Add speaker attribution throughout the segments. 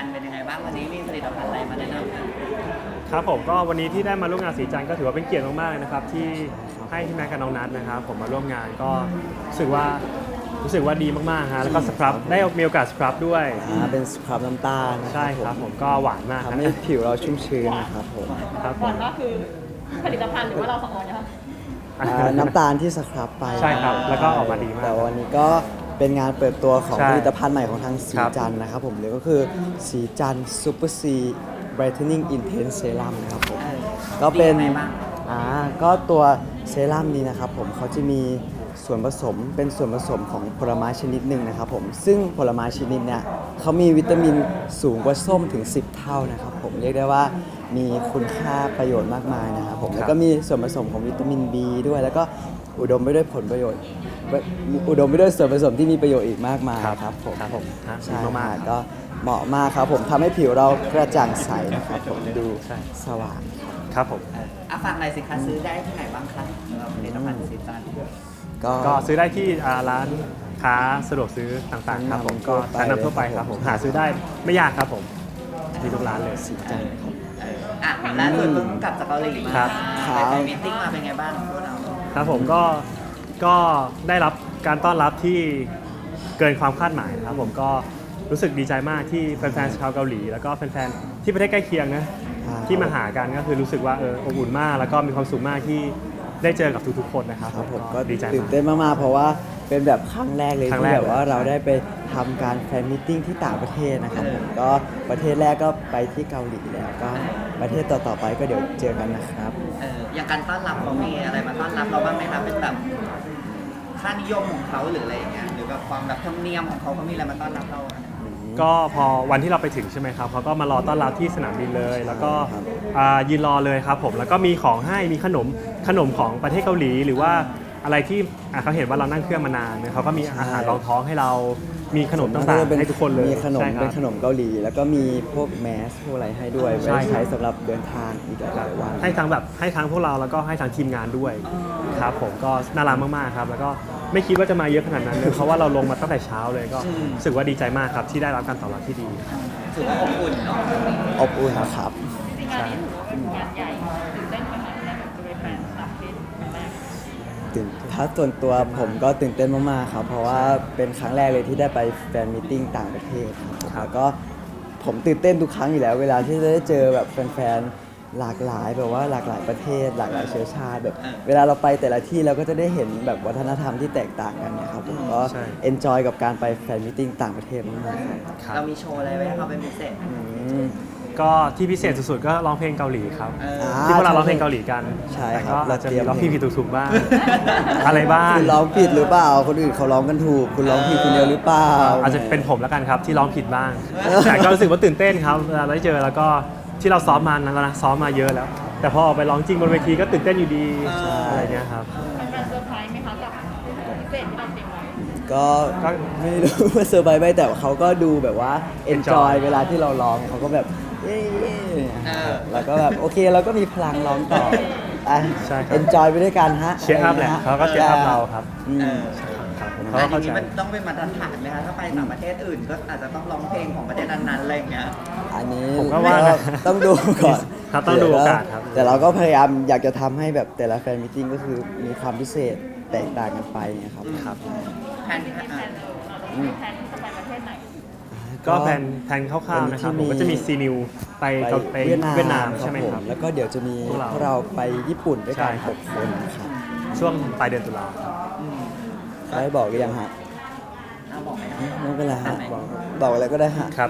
Speaker 1: นเป็นยังไงบ้างวันนี้มีผลิตภัณฑ์อะไรมาแนะนำกัน
Speaker 2: ครับผมก็วันนี้ที่ได้มาร่วมงานสีจันทร์ก็ถือว่าเป็นเกียรติมากๆเลยนะครับที่ให้พี่แม็กกับน้องนัทนะครับผมมาร่วมงานก็รู้สึกว่าดีมากๆฮะแล้วก็สครับได้มีโอกาสสครับด้วย
Speaker 3: เป็นสครับน้ำตาล
Speaker 2: ใช่ครับผมก็หวานมาก
Speaker 3: ทำให้ผิวเราชุ่มชื้นนะครับผม
Speaker 2: ครับ
Speaker 4: ก่อนก็คือผลิตภัณฑ์หรือว่าเราสองคนนะคะ
Speaker 3: น้ำตาลที่สครับไป
Speaker 2: ใช่ครับแล้วก็ออกมาดีมาก
Speaker 3: แต่วันนี้ก็เป็นงานเปิดตัวของ
Speaker 2: ใช่
Speaker 3: ผลิตภัณฑ์ใหม่ของทางสีจันทร์นะครับผมหรือก็คือสีจันทร์ซูเปอร์ซีไบรท์เทนนิ่งอินเทนเซรั่มนะครับผมก็เป็นก็ตัวเซรั่มนี้นะครับผมเขาจะมีส่วนผสมเป็นส่วนผสมของผลไม้ชนิดหนึ่งนะครับผมซึ่งผลไม้ชนิดเนี้ยเขามีวิตามินสูงกว่าส้มถึง10 เท่านะครับผมเรียกได้ว่ามีคุณค่าประโยชน์มากมายนะครับผมแล้วก็มีส่วนผสมของวิตามิน B ด้วยแล้วก็อุดมไปด้วยผลประโยชน์อุดมไปด้วยส่วนผสมที่มีประโยชน์อีกมากมายครับผมใช่มากก็เหมาะมากครับผมทำให้ผิวเรากระจ่างใสนะครับผมดูสว่าง
Speaker 2: ครับผม
Speaker 1: ฝากหน่อยสิคะซื้อได้ที่ไหนบ้างคะสำหรับผลิตภัณฑ์สีจันทร์
Speaker 2: ก็ซื้อได้ที่ร้านค้าสะดวกซื้อต่างๆครับผมก็ชั้นนำทั่วไปครับผมหาซื้อได้ไม่ยากครับผมมีทุกร้านเลย
Speaker 3: สีจันทร์
Speaker 1: ล่าสุดเพิ่งกลับจากเกาหลีมาไปมีตติ้งมาเป็นไงบ้างพวกเรา
Speaker 2: ครับผมก็ได้รับการต้อนรับที่เกินความคาดหมายนะครับผมก็รู้สึกดีใจมากที่แฟนๆชาวเกาหลีแล้วก็แฟนๆที่ประเทศใกล้เคียงนะที่มาหากันก็คือรู้สึกว่าอบอุ่นมากแล้วก็มีความสุขมากที่ได้เจอกับทุกๆคนนะครับ
Speaker 3: ผมก็
Speaker 2: ดีใจ
Speaker 3: ตื่นเต้นมากๆเพราะว่าเป็นแบบครั้งแรกเลยที่แบบว่าเราได้ไปทำการแฟนมิทติ้งที่ต่างประเทศนะครับผมก็ประเทศแรกก็ไปที่เกาหลีแล้วก็ประเทศต่อๆไปก็เดี๋ยวเจอกันนะครับ
Speaker 1: อย่างการต้อนรับเขามีอะไรมาต้อนรับเราบ้างไหมครับเป็นแบบค่านิยมของเขาหรืออะไรอย่างเงี้ยหรือแบบความแบบธรรมเนียมของเขามีอะไรมาต้อนรับเรา
Speaker 2: ก็พอวันที่เราไปถึงใช่ไหมครับเขาก็มารอต้อนรับที่สนามบินเลยแล้วก็ยืนรอเลยครับผมแล้วก็มีของให้มีขนมของประเทศเกาหลีหรือว่าอะไรที่เขาเห็นว่าเรานั่งเครื่องมานานเขาก็มีอาหารรองท้องให้เรามีขนมต่างๆให้ทุกคนเลย
Speaker 3: มีขนมเป็นขนมเกาหลีแล้วก็มีพวกแมสพวกอะไรให้ด้วยไว้ใช้สำหรับเดินทางอีกหลายวัน
Speaker 2: ให้ทั้งพวกเราแล้วก็ให้ทั้งทีมงานด้วยครับผมก็น่ารักมากๆครับแล้วก็ไม่คิดว่าจะมาเยอะขนาดนั้นเลยเพราะว่าเราลงมาตั้งแต่เช้าเลยก็รู้สึกว่าดีใจมากครับที่ได้รับการตอบรับที่ดี
Speaker 1: ถือว่าอบอุ่นเนาะ
Speaker 3: อบอุ่นครับ
Speaker 4: งานนี้ถือว่าเป็นงานใหญ่ตื่นเต้นไหมคะที่ได้แบบไปแฟนต่างประเทศครั้งแรก
Speaker 3: ถ้าส่วนตัวผมก็ตื่นเต้นมากๆครับเพราะว่าเป็นครั้งแรกเลยที่ได้ไปแฟนมีตติ้งต่างประเทศครับแล้วก็ผมตื่นเต้นทุกครั้งอยู่แล้วเวลาที่ได้เจอแบบแฟนๆหลากหลายแบบว่าหลากหลายประเทศหลากหลายเชื้อชาติแบบเวลาเราไปแต่ละที่เราก็จะได้เห็นแบบวัฒนธรรมที่แตกต่างกันเนี่ยครับผมก็เอนจอยกับการไปแฟนมีตติ้งต่างประเทศมากๆ
Speaker 1: เรามีโชว์อะไรไว้ให้เขาเป็นพิเศษ
Speaker 2: ก็ที่พิเศษสุดๆก็ร้องเพลงเกาหลีครับที่พวกเราร้องเพลงเกาหลีกัน
Speaker 3: ใช่
Speaker 2: ครับเราจะมีร้องผิดถูกบ้างอะไรบ้าง
Speaker 3: คุณร้องผิดหรือเปล่าคนอื่นเขาร้องกันถูกคุณร้องผิดคนเดียวหรือเปล่า
Speaker 2: อาจจะเป็นผมแล้วกันครับที่ร้องผิดบ้างแต่ก็รู้สึกว่าตื่นเต้นครับเวลาได้เจอแล้วก็ที่เราซ้อมมานั้นแล้วนะซ้อมมาเยอะแล้วแต่พอออกไปร้องจริงบนเวทีก็ตื่นเต้นอยู่ดีอะไรเงี้ยครับ
Speaker 4: เป็นเซอร์ไพรส์ไหมคะกับพิเศษที่เราเตรียมไว้
Speaker 3: ก็ไม่รู้ว่าเซอร์ไพรส์ไหมแต่เขาก็ดูแบบว่าเอนจอยเวลาที่เราร้องเขาก็แบบแล้วก็แบบโอเคเราก็มีพลังร้องต่อเอนจอยไปด้วยกันฮะ
Speaker 2: เชียร์อัพแหละเขาก็เชียร์อัพเราครับ
Speaker 1: อันนี้มันต้องเป็นมาตรฐานไหมคะถ้าไปต่างประเทศอื่นก็อาจจะต้องร้องเพลงของประเทศนั้นๆอะไรอย่างเงี้ย
Speaker 3: อันนี้
Speaker 2: ผมก็ว่า
Speaker 3: ต้องดูก่อน
Speaker 2: ต้องดูโอกาสครับ
Speaker 3: แต่เราก็พยายามอยากจะทำให้แบบแต่ละแฟนมิทติ้งก็คือมีความพิเศษแตกต่างกันไปนะครับ
Speaker 1: แผนที่จะไป
Speaker 4: ประเทศไหน
Speaker 2: ก็แผนคร่าวๆนะครับผมก็จะมีซีนิวไปเวียดนามใช่ไหมครับ
Speaker 3: แล้วก็เดี๋ยวจะมีพวกเราไปญี่ปุ่นด้วยกัน6 คนครับ
Speaker 2: ช่วงปลายเดือนตุลา
Speaker 3: ได้บอกหรือยังฮะ
Speaker 1: บอกไหม
Speaker 3: ไม่เป็นไรฮะบอกอะไรก็ได้ฮะ
Speaker 2: ครับ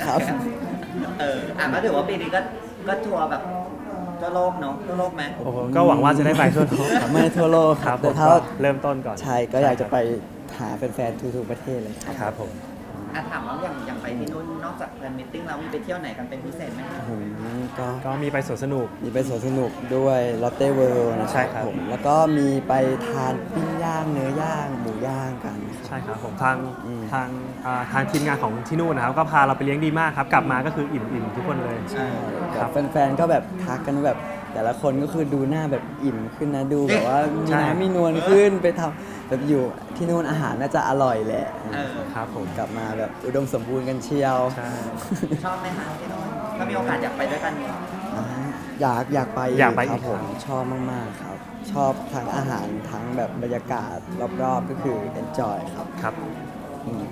Speaker 1: ก็ถือว่าปีนี้ก็ทัวร์แบบทั่วโลกเนาะทั่วโลกไหม
Speaker 2: ก็หวังว่าจะได้ไปทั่วโลก
Speaker 3: ไม่ทั่วโลก
Speaker 2: ครับแต่ถ้าเริ่มต้นก่อน
Speaker 3: ใช่ก็อยากจะไปหาแฟนๆทุกๆประเทศเลย
Speaker 2: ครับผม
Speaker 1: ถามว่าอย่างไปที่นู่นนอกจากแฟนมิทติ้งเรามีไปเที่ยวไหนกันเป็นพิเศษไหม
Speaker 2: ก็มีไปสวนสนุก
Speaker 3: ด้วยลอตเต้เวิลด์นะครับผมแล้วก็มีไปทานปิ้งย่างเนื้อย่างหมูย่างกัน
Speaker 2: ใช่ครับผมทางทีมงานของที่นู่นนะครับก็พาเราไปเลี้ยงดีมากครับกลับมาก็คืออิ่มทุกคนเลย
Speaker 3: ใช่ครับแฟนๆก็แบบทักกันแบบแต่ละคนก็คือดูหน้าแบบอิ่มขึ้นนะดูแบบว่ามี
Speaker 2: ใช่
Speaker 3: น้ำมีนวลขึ้นไปทำแบบอยู่ที่นู่นอาหารน่าจะอร่อยแหละ
Speaker 2: ครับผม
Speaker 3: กลับมาแบบอุดมสมบูรณ์กันเชียว
Speaker 2: ใช่
Speaker 1: ชอบไหมคะที่โน่นถ้ามีโอกาสอยากไปด้วยกัน
Speaker 3: อ่าอยากไป
Speaker 2: อยากไป
Speaker 3: ครับ
Speaker 2: อีก
Speaker 3: ผม
Speaker 2: ครับ
Speaker 3: ชอบมากๆครับ ชอบทั้งอาหารทั้งแบบบรรยากาศรอบๆก็คือ enjoy ครับ
Speaker 2: ครับ
Speaker 3: อืม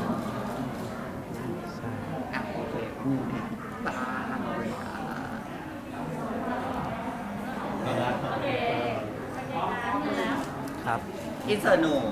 Speaker 2: ใช่
Speaker 1: อ่ะโอเคตาเลยค่ะ
Speaker 2: ครับ
Speaker 1: อินเสิร์ตหนู